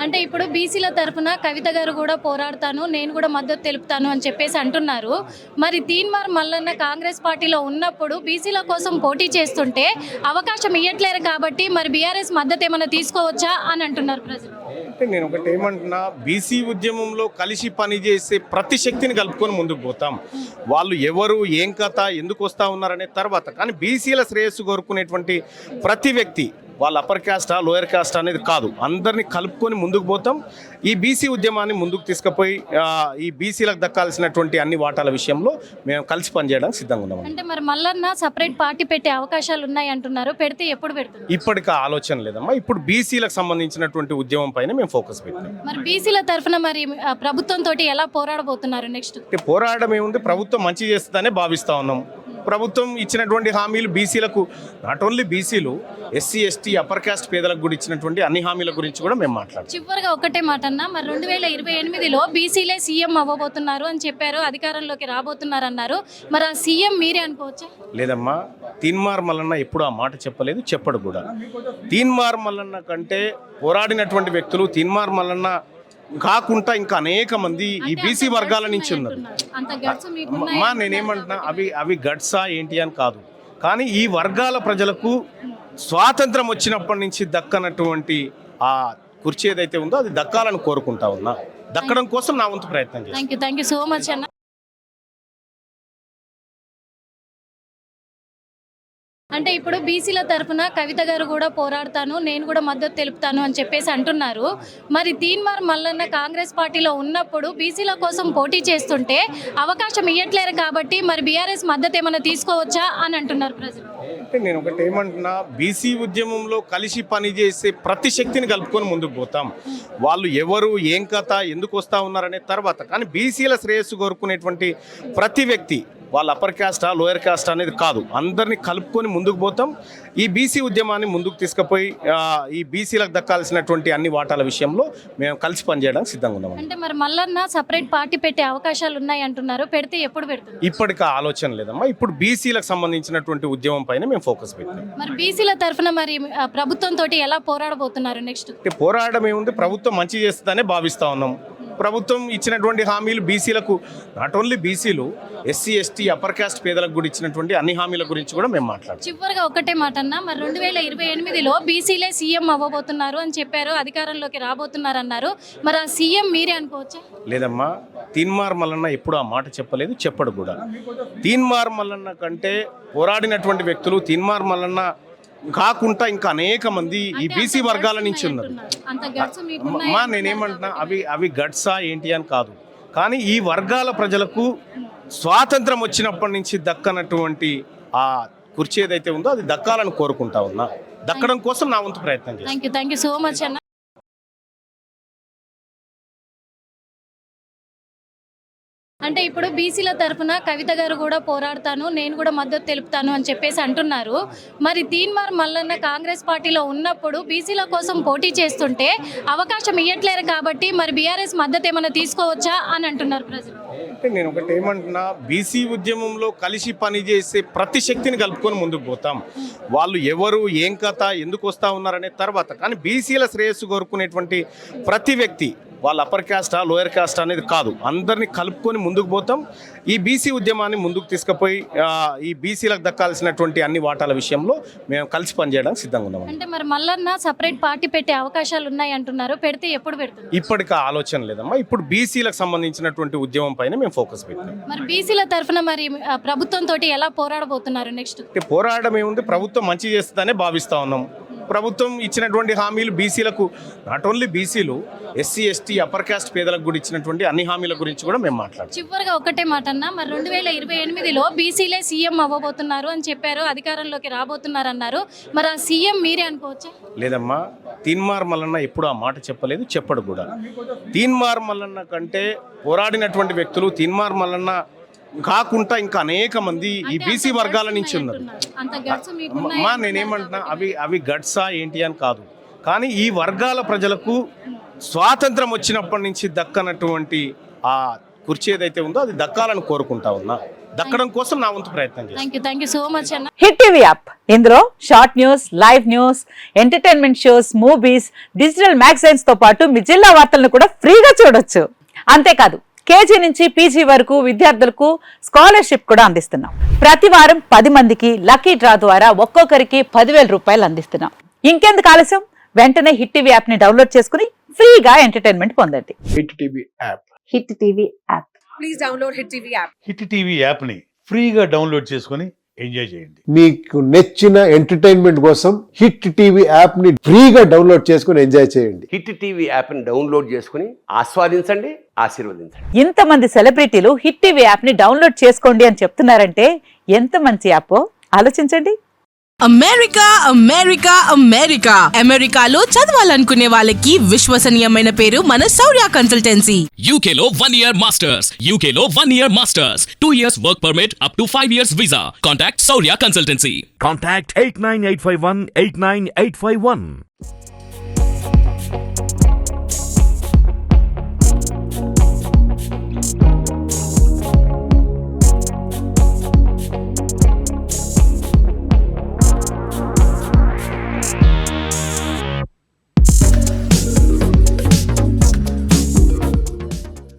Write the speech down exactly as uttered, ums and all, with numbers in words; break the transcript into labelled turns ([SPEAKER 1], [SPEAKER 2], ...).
[SPEAKER 1] అంటే ఇప్పుడు బీసీల తరఫున కవిత గారు కూడా పోరాడతాను, నేను కూడా మద్దతు తెలుపుతాను అని చెప్పేసి అంటున్నారు. మరి తీన్మార్ మల్లన్న కాంగ్రెస్ పార్టీలో ఉన్నప్పుడు బీసీల కోసం పోటీ చేస్తుంటే అవకాశం ఇవ్వట్లేరు కాబట్టి మరి బీఆర్ఎస్ మద్దతు ఏమైనా తీసుకోవచ్చా అని అంటున్నారు ప్రజలు.
[SPEAKER 2] అంటే నేను ఒకటి ఏమంటున్నా, బీసీ ఉద్యమంలో కలిసి పనిచేసే ప్రతి శక్తిని కలుపుకొని ముందుకు పోతాం. వాళ్ళు ఎవరు, ఏం కథ, ఎందుకు వస్తూ ఉన్నారనే తర్వాత, కానీ బీసీల శ్రేయస్సు కోరుకునేటువంటి ప్రతి వ్యక్తి వాళ్ళ అప్పర్ క్యాస్టా లోయర్ క్యాస్ట్ అనేది కాదు, అందరినీ కలుపుకొని ముందుకు పోతాం. ఈ బీసీ ఉద్యమాన్ని ముందుకు తీసుకుపోయి ఈ బీసీలకు దక్కాల్సినటువంటి అన్ని వాటాల విషయంలో మేము కలిసి పనిచేయడానికి సిద్ధంగా ఉన్నాం.
[SPEAKER 1] అంటే మరి మల్లన్న సపరేట్ పార్టీ పెట్టే అవకాశాలు ఉన్నాయి అంటున్నారు, పెడితే ఎప్పుడు పెడుతుంది?
[SPEAKER 2] ఇప్పటికి ఆలోచన లేదమ్మా. ఇప్పుడు బీసీలకు సంబంధించినటువంటి ఉద్యమం పైన మేము ఫోకస్ పెట్టాం.
[SPEAKER 1] మరి బీసీల తరఫున మరి ప్రభుత్వం తోటి ఎలా పోరాడబోతున్నారు నెక్స్ట్?
[SPEAKER 2] పోరాడడం ఏముంది, ప్రభుత్వం మంచి చేస్తుందనే భావిస్తా ఉన్నాం. ప్రభుత్వం ఇచ్చినటువంటి హామీలు బీసీలకు, నాట్ ఓన్లీ బీసీలు, ఎస్సీ ఎస్టీ అప్పర్ క్యాస్ట్ పేదలకు కూడా ఇచ్చినటువంటి అన్ని హామీల గురించి కూడా మేము మాట్లాడాం.
[SPEAKER 1] చివరిగా ఒకటే మాట అన్న, మరి రెండు వేల ఇరవై ఎనిమిదిలో బీసీలే సీఎం అవ్వబోతున్నారు అని చెప్పారు, అధికారంలోకి రాబోతున్నారు అన్నారు. మరి ఆ సీఎం మీరే అనుకోవచ్చా?
[SPEAKER 2] లేదమ్మా, తీన్మార్ మల్లన్న ఎప్పుడు ఆ మాట చెప్పలేదు, చెప్పడు కూడా. తీన్మార్ మల్లన్న కంటే పోరాడినటువంటి వ్యక్తులు తీన్మార్ మల్లన్న కాకుండా ఇంకా అనేక మంది ఈ బీసీ వర్గాల నుంచి ఉన్నారు. మా నేనేమంటున్నా, అవి అవి గట్సా ఏంటి అని కాదు, కానీ ఈ వర్గాల ప్రజలకు స్వాతంత్రం వచ్చినప్పటి నుంచి దక్కనటువంటి ఆ కుర్చీ ఏదైతే ఉందో అది దక్కాలని కోరుకుంటా ఉన్నా. దక్కడం కోసం నా వంతు ప్రయత్నం చేస్తాను.
[SPEAKER 1] Thank you thank you so much అన్న. అంటే ఇప్పుడు బీసీల తరఫున కవిత గారు కూడా పోరాడతాను, నేను కూడా మద్దతు తెలుపుతాను అని చెప్పేసి అంటున్నారు. మరి తీన్మార్ మల్లన్న కాంగ్రెస్ పార్టీలో ఉన్నప్పుడు బీసీల కోసం పోటీ చేస్తుంటే అవకాశం ఇవ్వట్లేరు కాబట్టి మరి బీఆర్ఎస్ మద్దతు ఏమైనా తీసుకోవచ్చా అని అంటున్నారు ప్రజలు.
[SPEAKER 2] అంటే నేను ఒకటి ఏమంటున్నా, బీసీ ఉద్యమంలో కలిసి పనిచేసే ప్రతి శక్తిని కలుపుకొని ముందుకు పోతాం. వాళ్ళు ఎవరు, ఏం కథ, ఎందుకు వస్తూ ఉన్నారనే తర్వాత, కానీ బీసీల శ్రేయస్సు కోరుకునేటువంటి ప్రతి వ్యక్తి వాళ్ళ అప్పర్ క్యాస్టా లోయర్ క్యాస్ట్ అనేది కాదు, అందరినీ కలుపుకొని ముందుకు పోతాం. ఈ బీసీ ఉద్యమాన్ని ముందుకు తీసుకుపోయి ఈ బీసీలకు దక్కాల్సినటువంటి అన్ని వాటాల విషయంలో మేము కలిసి పనిచేయడానికి సిద్ధంగా ఉన్నాం.
[SPEAKER 1] అంటే మరి మల్లన్న సపరేట్ పార్టీ పెట్టే అవకాశాలు ఉన్నాయి అంటున్నారు, పెడితే ఎప్పుడు పెడుతుంది?
[SPEAKER 2] ఇప్పటికి ఆలోచన లేదమ్మా. ఇప్పుడు బీసీలకు సంబంధించినటువంటి ఉద్యమం పైన మేము ఫోకస్ పెట్టాం.
[SPEAKER 1] మరి బీసీల తరఫున మరి ప్రభుత్వం తోటి ఎలా పోరాడబోతున్నారు నెక్స్ట్?
[SPEAKER 2] పోరాడడం ఏముంది, ప్రభుత్వం మంచి చేస్తుందనే భావిస్తా ఉన్నాం. ప్రభుత్వం ఇచ్చినటువంటి హామీలు బీసీలకు, నాట్ ఓన్లీ బీసీలు, ఎస్సీ ఎస్టీ అప్పర్ క్యాస్ట్ పేదలకు కూడా ఇచ్చినటువంటి అన్ని హామీల గురించి కూడా మేము మాట్లాడాం.
[SPEAKER 1] చివరిగా ఒకటే మాట అన్న, మరి రెండు వేల ఇరవై ఎనిమిదిలో బీసీలే సీఎం అవ్వబోతున్నారు అని చెప్పారు, అధికారంలోకి రాబోతున్నారు అన్నారు. మరి ఆ సీఎం మీరే అనుకోవచ్చా?
[SPEAKER 2] లేదమ్మా, తీన్మార్ మల్లన్న ఎప్పుడు ఆ మాట చెప్పలేదు, చెప్పడు కూడా. తీన్మార్ మల్లన్న కంటే పోరాడినటువంటి వ్యక్తులు తీన్మార్ మల్లన్న కాకుండా ఇంకా అనేక మంది ఈ బీసీ వర్గాల నుంచి ఉన్నారు. మా నేనేమంటున్నా, అవి అవి గట్సా ఏంటి అని కాదు, కానీ ఈ వర్గాల ప్రజలకు స్వాతంత్రం వచ్చినప్పటి నుంచి దక్కనటువంటి ఆ కుర్చీ ఏదైతే ఉందో అది దక్కాలని కోరుకుంటా ఉన్నా. దక్కడం కోసం నా వంతు ప్రయత్నం చేస్తాను.
[SPEAKER 1] Thank you thank you so much అన్న. అంటే ఇప్పుడు బీసీల తరఫున కవిత గారు కూడా పోరాడతాను, నేను కూడా మద్దతు తెలుపుతాను అని చెప్పేసి అంటున్నారు. మరి తీన్మార్ మల్లన్న కాంగ్రెస్ పార్టీలో ఉన్నప్పుడు బీసీల కోసం పోటీ చేస్తుంటే అవకాశం ఇవ్వట్లేరు కాబట్టి మరి బీఆర్ఎస్ మద్దతు ఏమైనా తీసుకోవచ్చా అని అంటున్నారు ప్రజలు.
[SPEAKER 2] అంటే నేను ఒకటి ఏమంటున్నా, బీసీ ఉద్యమంలో కలిసి పనిచేసే ప్రతి శక్తిని కలుపుకొని ముందుకు పోతాం. వాళ్ళు ఎవరు, ఏం కథ, ఎందుకు వస్తూ ఉన్నారనే తర్వాత, కానీ బీసీల శ్రేయస్సు కోరుకునేటువంటి ప్రతి వ్యక్తి వాళ్ళ అప్పర్ క్యాస్టా లోయర్ క్యాస్ట్ అనేది కాదు, అందరినీ కలుపుకొని ముందుకు పోతాం. ఈ బీసీ ఉద్యమాన్ని ముందుకు తీసుకుపోయి ఈ బీసీలకు దక్కాల్సినటువంటి అన్ని వాటాల విషయంలో మేము కలిసి పనిచేయడానికి సిద్ధంగా ఉన్నాం.
[SPEAKER 1] అంటే మరి మల్లన్న సపరేట్ పార్టీ పెట్టే అవకాశాలు ఉన్నాయి అంటున్నారు, పెడితే ఎప్పుడు పెడుతుంది?
[SPEAKER 2] ఇప్పటికి ఆలోచన లేదమ్మా. ఇప్పుడు బీసీలకు సంబంధించినటువంటి ఉద్యమం పైన మేము ఫోకస్ పెట్టాం.
[SPEAKER 1] మరి బీసీల తరఫున మరి ప్రభుత్వం తోటి ఎలా పోరాడబోతున్నారు నెక్స్ట్?
[SPEAKER 2] పోరాడడం ఏముంది, ప్రభుత్వం మంచి చేస్తుందనే భావిస్తా ఉన్నాం. ప్రభుత్వం ఇచ్చినటువంటి హామీలు బీసీలకు, నాట్ ఓన్లీ బీసీలు, ఎస్సీ ఎస్టీ అప్పర్ క్యాస్ట్ పేదలకు కూడా ఇచ్చినటువంటి అన్ని హామీల గురించి కూడా మేము మాట్లాడాం.
[SPEAKER 1] చివరిగా ఒకటే మాట అన్న, మరి రెండు వేల ఇరవై ఎనిమిదిలో బీసీలే సీఎం అవ్వబోతున్నారు అని చెప్పారు, అధికారంలోకి రాబోతున్నారు అన్నారు. మరి ఆ సీఎం మీరే అనుకోవచ్చా?
[SPEAKER 2] లేదమ్మా, తీన్మార్ మల్లన్న ఎప్పుడు ఆ మాట చెప్పలేదు, చెప్పడు కూడా. తీన్మార్ మల్లన్న కంటే పోరాడినటువంటి వ్యక్తులు తీన్మార్ మల్లన్న కాకుండా ఇంకా అనేక మంది ఈ బీసీ వర్గాల నుంచి ఉన్నారు. మా నేనేమంటున్నా, అవి అవి గట్సా ఏంటి అని కాదు, కానీ ఈ వర్గాల ప్రజలకు స్వాతంత్రం వచ్చినప్పటి నుంచి దక్కనటువంటి ఆ కుర్చీ ఏదైతే ఉందో అది దక్కాలని కోరుకుంటా ఉన్నా. దక్కడం కోసం నా వంతు ప్రయత్నం చేస్తాను.
[SPEAKER 1] Thank you thank you so much అన్న.
[SPEAKER 3] హిట్ టీవీ యాప్ ఇందులో short news, live news, entertainment shows, movies, digital magazines తో పాటు మీ జిల్లా వార్తలను కూడా ఫ్రీగా చూడొచ్చు. అంతేకాదు కేజీ నుంచి పీజీ వరకు విద్యార్థులకు స్కాలర్షిప్ కూడా అందిస్తున్నాం. ప్రతి వారం పది మందికి లక్కీ డ్రా ద్వారా ఒక్కొక్కరికి పదివేల రూపాయలు అందిస్తున్నాం. ఇంకెందుకు ఆలస్యం, వెంటనే హిట్ టీవీ యాప్ ని డౌన్లోడ్ చేసుకుని ఫ్రీగా ఎంటర్టైన్మెంట్ పొందండి.
[SPEAKER 4] Hit TV app
[SPEAKER 3] hit TV app
[SPEAKER 5] Please download Hit T V app.
[SPEAKER 6] Hit TV యాప్ని ఫ్రీగా డౌన్లోడ్ చేసుకొని ఎంజాయ్ చేయండి.
[SPEAKER 4] మీకు నచ్చిన ఎంటర్టైన్మెంట్ కోసం హిట్ టీవీ యాప్ ని ఫ్రీగా డౌన్లోడ్ చేసుకుని ఎంజాయ్ చేయండి.
[SPEAKER 7] హిట్ టీవీ యాప్ని డౌన్లోడ్ చేసుకుని ఆస్వాదించండి, ఆశీర్వదించండి.
[SPEAKER 3] ఇంతమంది సెలబ్రిటీలు హిట్ టీవీ యాప్ ని డౌన్లోడ్ చేసుకోండి అని చెప్తున్నారంటే ఎంత మంచి యాప్ ఆలోచించండి.
[SPEAKER 8] అమెరికా అమెరికా అమెరికా అమెరికాలో చదవాలనుకునే వాళ్ళకి విశ్వసనీయమైన పేరు మన శౌర్య కన్సల్టెన్సీ.
[SPEAKER 9] U K లో one year masters, U K లో one year masters, two years work permit up to five years visa. Contact Saurya Consultancy.
[SPEAKER 10] Contact eight nine eight five one eight nine eight five one.